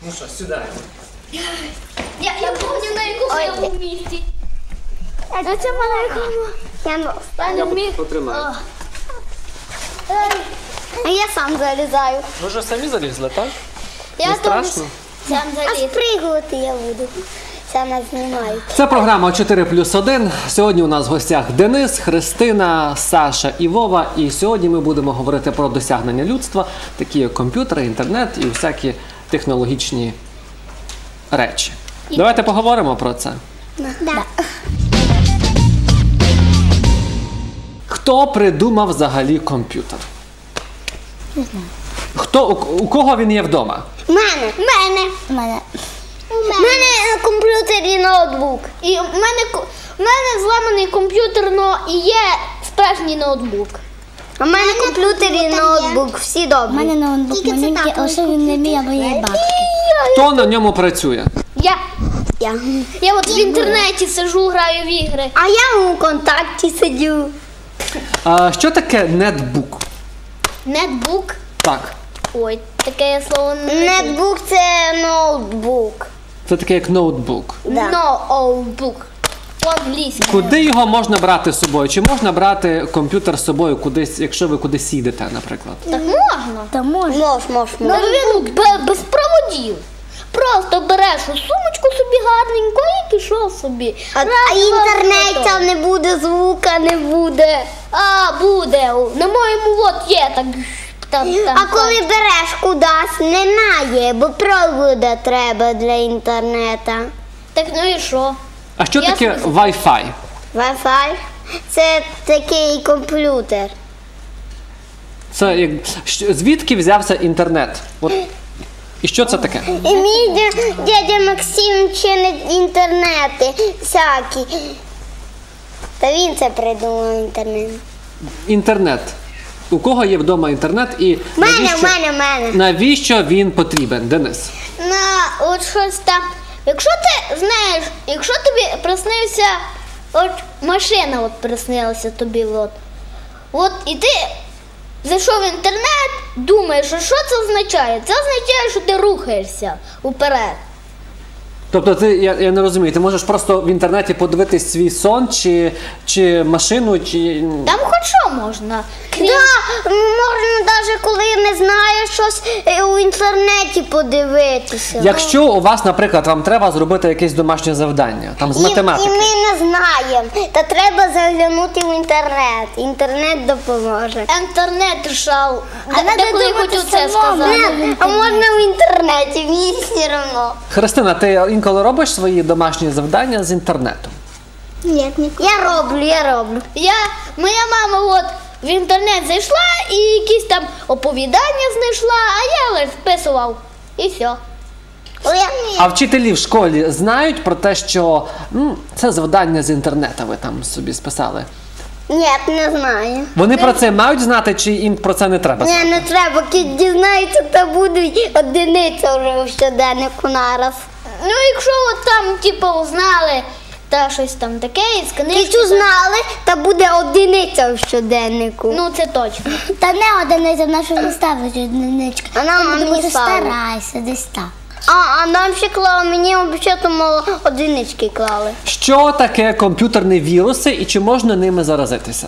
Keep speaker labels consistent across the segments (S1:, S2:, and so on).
S1: Ну що, сідаємо.
S2: Я помню, на якому я був місці.
S3: А це на якому?
S2: Я не міг.
S1: Потримай.
S3: А я сам залізаю.
S1: Ви вже самі залізли, так?
S2: Я
S1: Не страшно?
S2: сам
S3: А
S2: заліз.
S3: спригувати я буду. Саме знімаю.
S1: Це програма 4+1. Сьогодні у нас в гостях Денис, Христина, Саша і Вова. І сьогодні ми будемо говорити про досягнення людства, такі як комп'ютери, інтернет і всякі технологічні речі. Давайте поговоримо про це.
S3: Да.
S1: Хто придумав взагалі комп'ютер?
S3: Не знаю.
S1: У кого він є вдома?
S3: У мене на комп'ютері ноутбук.
S2: І в мене зламаний комп'ютер, но і є справжній ноутбук.
S3: У мене на комп'ютері ноутбук. Всі добрі.
S4: У мене ноутбук маленький, а ще він не мій, або є батьки.
S1: Хто на ньому працює?
S2: Я от в інтернеті сиджу, граю в ігри.
S3: А я у контакті сидю.
S1: Що таке нетбук?
S2: Нетбук.
S1: Так.
S2: Ой, таке я слово не знаю.
S3: Нетбук це ноутбук.
S1: Це таке як ноутбук.
S3: Да.
S2: Ноутбук. По-англійськи.
S1: Куди його можна брати з собою? Чи можна брати комп'ютер з собою кудись, якщо ви кудись їдете, наприклад?
S2: Так можна.
S4: Та може.
S3: Мож.
S2: Ну він без проводів. Просто береш у сумочку собі гарненько і пішов собі.
S3: А інтернету не буде, звука не буде.
S2: А, буде. На моєму от є так.
S3: А коли береш кудись, немає, бо провода треба для інтернету.
S2: Так ну і що?
S1: А що
S2: Я
S1: таке
S2: собі-
S1: Wi-Fi?
S3: Wi-Fi – це такий комп'ютер.
S1: Це звідки взявся інтернет? От. І що це таке?
S3: І мій дядя Максим чинить інтернети всякі. Та він це придумав інтернет.
S1: Інтернет. У кого є вдома інтернет і
S3: В мене.
S1: навіщо він потрібен, Денис?
S2: От щось там. Якщо ти знаєш, якщо тобі приснився, от машина от приснилася тобі, от і ти зайшов в інтернет, думаєш, що це означає? Це означає, що ти рухаєшся уперед.
S1: Тобто ти, я не розумію, ти можеш просто в інтернеті подивитись свій сон чи машину, чи...
S2: Там хоч що можна. Крім...
S3: Так, можна навіть коли не знаєш щось у інтернеті подивитися.
S1: Якщо у вас, наприклад, вам треба зробити якесь домашнє завдання, там з математики.
S3: І ми не знаємо, та треба заглянути в інтернет. Інтернет допоможе.
S2: Інтернет рішав.
S3: надо
S2: Деколи
S3: думати
S2: хотів це
S3: самому.
S2: сказати.
S3: А можна в інтернеті, мені все одно.
S1: Христина, ти інколи робиш свої домашні завдання з інтернету?
S3: Ні, я роблю.
S2: Моя мама от в інтернет зайшла і якісь там оповідання знайшла, а я лише списував. І все.
S1: А вчителі в школі знають про те, що це завдання з інтернету ви там собі списали?
S3: Ні, не знаю.
S1: Вони про це мають знати, чи їм про це не треба знати?
S3: Ні, не треба, кіт дізнається, то будуть одиниця вже в щоденнику нараз.
S2: Ну, якщо от там, типу, узнали та щось там таке із книжки.
S3: Кіт узнали, та буде одиниця в щоденнику.
S2: Ну, це точно.
S4: Та не одиниця, в нашу не ставить одиничка.
S3: А нам
S4: Там
S3: не
S4: буде
S3: ставить.
S4: старайся, десь так.
S3: А нам ще клали, мені взагалі мало одинички клали.
S1: Що таке комп'ютерні віруси і чи можна ними заразитися?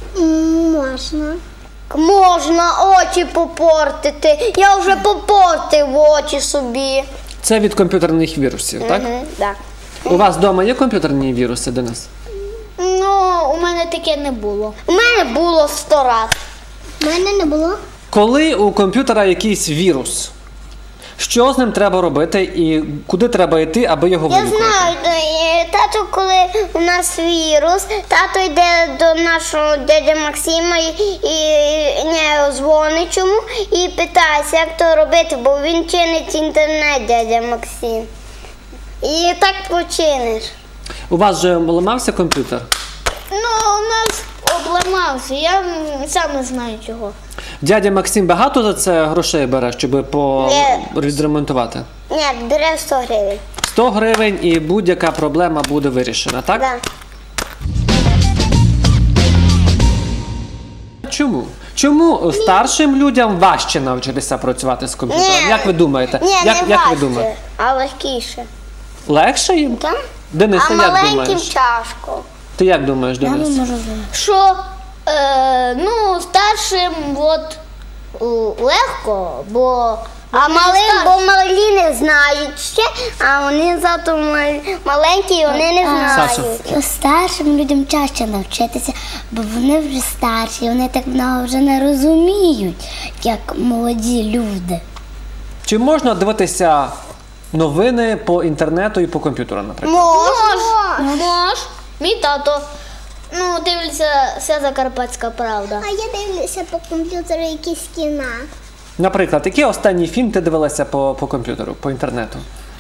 S3: Можна. Можна очі попортити. Я вже попортив очі собі.
S1: Це від комп'ютерних вірусів, так?
S3: Так.
S1: У вас вдома є комп'ютерні віруси, Денис?
S2: Ну, у мене таке не було.
S3: У мене було 100 раз.
S4: У мене не було.
S1: Коли у комп'ютера якийсь вірус, що з ним треба робити і куди треба йти, аби його
S3: Я
S1: вилікувати?
S3: знаю, тато, коли у нас вірус, тато йде до нашого дядя Максима і не дзвонить йому і питається, як то робити, бо він чинить інтернет, дядя Максим. І так починиш.
S1: У вас же ламався комп'ютер?
S2: Ну, у нас обламався, я сам не знаю чого.
S1: Дядя Максим багато за це грошей бере, щоб відремонтувати?
S3: Ні, бере 100 гривень.
S1: 100 гривень і будь-яка проблема буде вирішена, так?
S3: Да.
S1: Чому? Чому старшим людям важче навчитися працювати з комп'ютером? Як ви думаєте?
S3: Ні,
S1: як
S3: не
S1: ви
S3: важче,
S1: думаєте?
S3: а легкіше.
S1: Легше їм?
S3: Так?
S1: Денис,
S3: А
S1: ти як
S3: маленьким
S1: думаєш?
S3: тяжко.
S1: Ти як думаєш,
S4: Я не
S1: Денис?
S4: можу знати.
S2: Що ну, старшим от, легко, бо
S3: А
S2: вони
S3: малим,
S2: старші.
S3: бо малі не знають ще, а вони зато маленькі, і вони не
S1: Саша.
S3: знають.
S4: Старшим людям чаще навчитися, бо вони вже старші, вони так много вже не розуміють, як молоді люди.
S1: Чи можна дивитися новини по інтернету і по комп'ютеру, наприклад?
S2: Мож. Мій тато, ну, дивиться вся Закарпатська правда.
S3: А я дивлюся по комп'ютеру якісь кіна.
S1: Наприклад, який останній фільм ти дивилася по комп'ютеру, по інтернету?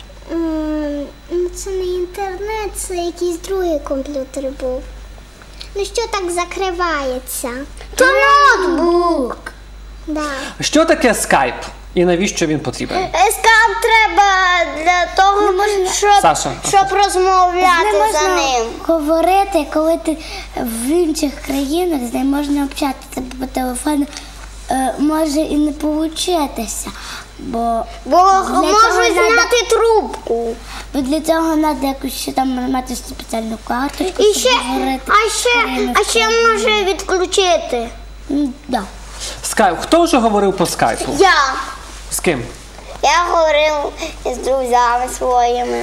S3: Це не інтернет, це якийсь другий комп'ютер був. Ну що так закривається? То ноутбук. Да.
S1: Що таке скайп і навіщо він потрібен?
S3: Скайп треба для того,
S1: Саша.
S3: щоб розмовляти
S4: Не
S3: за
S4: можна
S3: ним.
S4: говорити, коли ти в інших країнах, з ним можна общатися по телефону, може і не получитися, бо
S3: Бо
S4: цього
S3: можуть
S4: надо-
S3: зняти трубку.
S4: для цього треба якусь ще там мати спеціальну карточку,
S3: І
S4: щоб
S3: ще,
S4: говорити.
S3: а ще може відключити.
S4: Да.
S1: Скайп. Хто вже говорив по скайпу?
S3: Я.
S1: З ким?
S3: Я говорив з друзями своїми.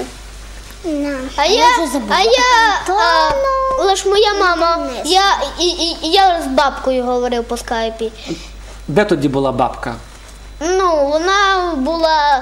S2: Лиш моя мама, я з бабкою говорив по скайпі.
S1: Де тоді була бабка?
S2: Ну, вона була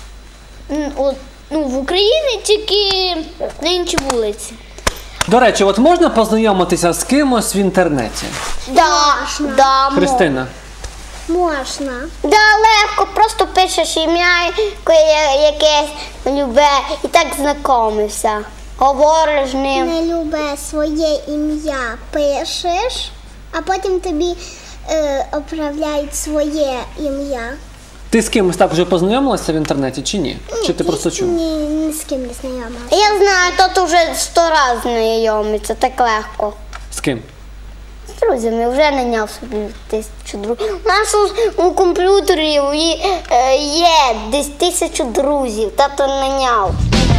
S2: в Україні, тільки на іншій вулиці.
S1: До речі, от можна познайомитися з кимось в інтернеті?
S3: Да,
S1: Христина.
S3: можна. Да, легко, просто пишеш ім'я якесь любе і так знайомишся. Говориш з ним.
S5: Не любе своє ім'я пишеш, а потім тобі оправляють своє ім'я.
S1: Ти з кимось так вже познайомилася в інтернеті чи ні? Чи ти просто чув?
S5: Ні з ким не знайома.
S3: Я знаю, тут вже 100 разів знайомиться, так легко.
S1: З ким?
S3: З друзями вже наняв собі 1000 друзів. У нас у комп'ютері є десь 1000 друзів, тато наняв.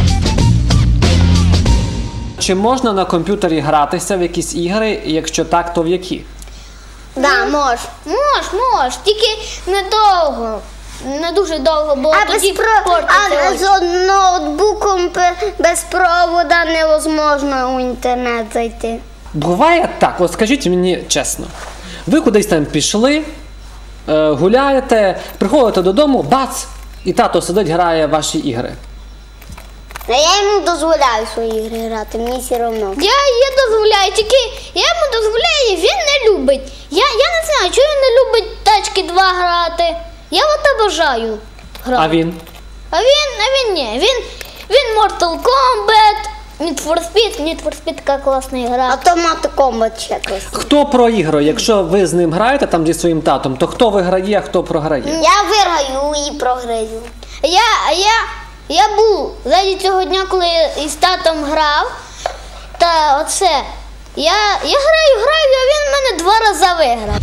S1: Чи можна на комп'ютері гратися в якісь ігри, і якщо так, то в які?
S3: Да, мож.
S2: Мож, тільки недовго. Не дуже довго, бо тоді портиться очі.
S3: з ноутбуком без провода невозможно у інтернет зайти.
S1: Буває так, от скажіть мені чесно. Ви кудись там пішли, гуляєте, приходите додому, бац, і тато сидить, грає в ваші ігри.
S3: А я йому дозволяю свої ігри грати, мені все одно.
S2: Я дозволяю, тільки я йому дозволяю, він не любить. Я не знаю, чого він не любить тачки 2 грати. Я от обожаю грати.
S1: А він?
S2: А він ні. Він Mortal Kombat, Need for Speed така класна гра.
S3: Автомат Комбат ще якось.
S1: Хто проіграє? Якщо ви з ним граєте там зі своїм татом, то хто виграє, а хто програє?
S3: Я виграю і програю.
S2: Я був заді цього дня, коли із татом грав, та оце, я граю, а він мене 2 рази виграв.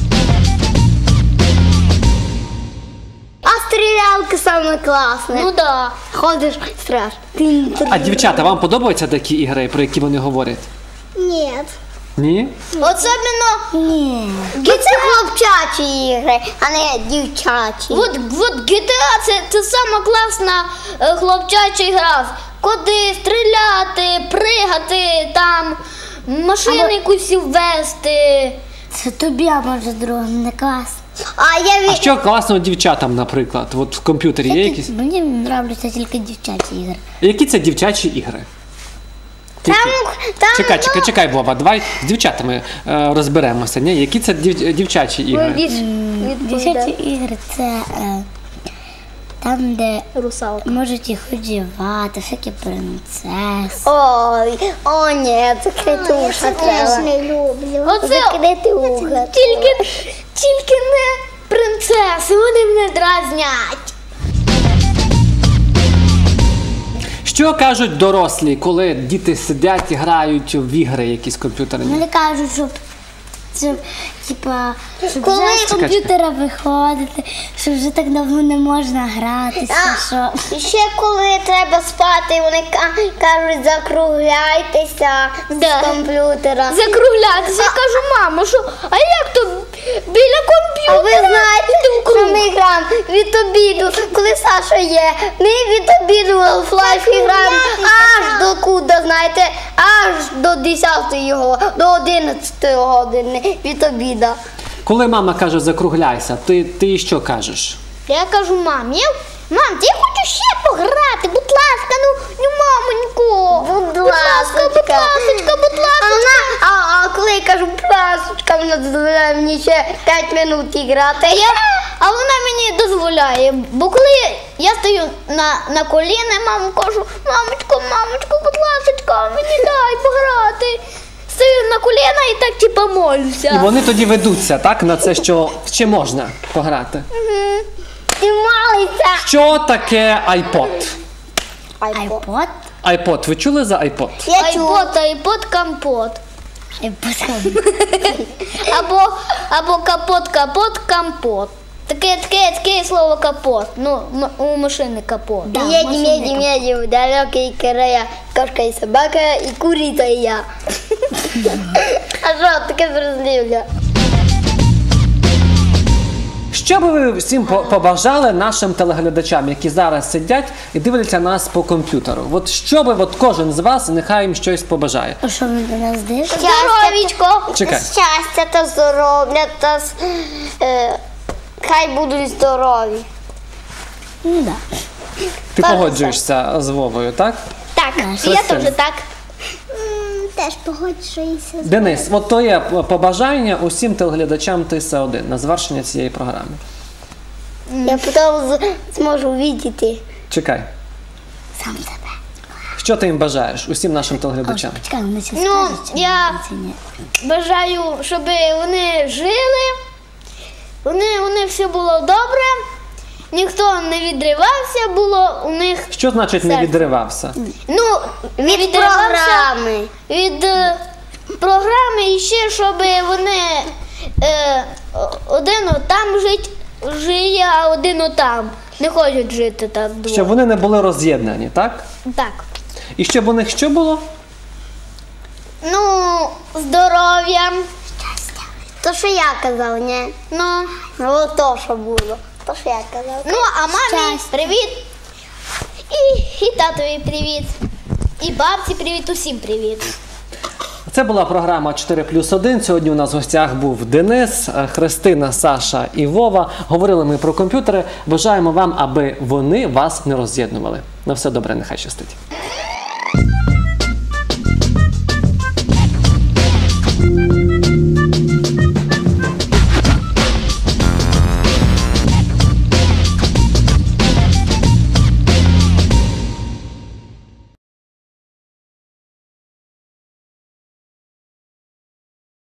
S3: А стрілялки саме класне.
S2: Ну да.
S3: Ходиш, страш.
S1: А дівчата, вам подобаються такі ігри, про які вони говорять?
S5: Ні.
S1: Ні?
S2: Особливо,
S4: Ні.
S3: Це хлопчачі ігри, а не дівчачі.
S2: от GTA це сама класна хлопчача гра. Куди стріляти, пригати, там, машину якусь ввести.
S4: Це тобі, а може другим не класно.
S1: А що класного дівчатам, наприклад? От в комп'ютері є якісь?
S4: Мені нравляться тільки дівчачі ігри.
S1: Які це дівчачі ігри? Чекай, Вова, давай з дівчатами розберемося. Ні? Які це дівчачі ігри?
S4: Дівчачі ігри це там, де
S2: Русалка.
S4: можуть їх одягати, всякі принцеси.
S3: Ой, о ні, закрити уша
S5: Теж
S3: треба.
S5: не люблю.
S2: Оце
S3: Закрити уха.
S2: тільки не принцеси, вони мене дразнять.
S1: Що кажуть дорослі, коли діти сидять і грають в ігри якісь комп'ютерні?
S4: Вони кажуть, щоб щоб, типа, щоб
S3: Коли-
S4: вже з комп'ютера виходити, що вже так давно не можна гратися, що...
S3: І ще коли треба спати, вони кажуть, закругляйтеся
S2: Да.
S3: з комп'ютера.
S2: Закруглятися. Я кажу, мамо, що, а як то біля
S3: А ви
S2: комп'ютера?
S3: знаєте, що ми граємо від обіду, коли Саша є, ми від обіду в флайфі граємо аж до куди, знаєте, аж до 10-ї, до 11-ї години від обіду.
S1: Коли мама каже закругляйся, ти їй що кажеш?
S2: Я кажу, мам, мам, я хочу ще пограти, будь ласка, ну мамонько.
S3: Будь ласка,
S2: будь ласка.
S3: А коли я кажу, будь ласка, вона дозволяє мені ще 5 минут грати.
S2: А вона мені дозволяє, бо коли я стою на коліна, маму кажу, мамочко, будь ласка, мені дай пограти. Стою на коліна і так типа молюся.
S1: І вони тоді ведуться, так, на це, що ще можна пограти.
S3: Ти малиця.
S1: Що таке iPod?
S4: iPod?
S1: iPod, ви чули за iPod?
S3: Я чула.
S2: Айпод, компот.
S4: iPod.
S2: Або капот, компот. Таке слово капот. Ну, у машини капот.
S3: Едем в далекие края. Кошка и собака, и курица, и я. А що таке зрозуміло?
S1: Що би ви всім побажали нашим телеглядачам, які зараз сидять і дивляться нас по комп'ютеру? От що би кожен з вас, нехай їм щось побажає.
S4: А що ви до нас дивитесь?
S2: Здоровічко.
S1: Чекай.
S3: Щастя та здоров'я та хай будуть здорові.
S4: Ну, да.
S1: Ти погоджуєшся з Вовою, так?
S2: Так, я
S1: Христина.
S2: теж так.
S5: Теж погоджуюся.
S1: Денис, от твоє побажання усім телеглядачам ТС1 на завершення цієї програми.
S3: Я потім зможу бачити.
S1: Чекай.
S4: Сам себе.
S1: Що ти їм бажаєш усім нашим телеглядачам?
S4: Почекай, вони ще
S2: Ну,
S4: скажуть, чи
S2: я-
S4: ні, чи ні.
S2: Бажаю, щоб вони жили, вони все було добре, ніхто не відривався, було у них.
S1: Що значить не
S2: Серце.
S1: відривався?
S2: Ну, не
S3: Від
S2: відривався
S3: програми.
S2: від програми і ще, щоб вони один там жиє, а один отам. Не хочуть жити так
S1: Щоб
S2: двоє.
S1: вони не були роз'єднані, так?
S2: Так.
S1: І щоб у них що було?
S2: Ну, здоров'я.
S3: То, що я казав, ні?
S2: Ну,
S3: Ну, то, що було. То, що я казав.
S2: ну, а мамі привіт. І татові привіт. І бабці привіт, усім привіт.
S1: Це була програма 4+1. Сьогодні у нас в гостях був Денис, Христина, Саша і Вова. Говорили ми про комп'ютери. Бажаємо вам, аби вони вас не роз'єднували. На все добре, нехай щастить.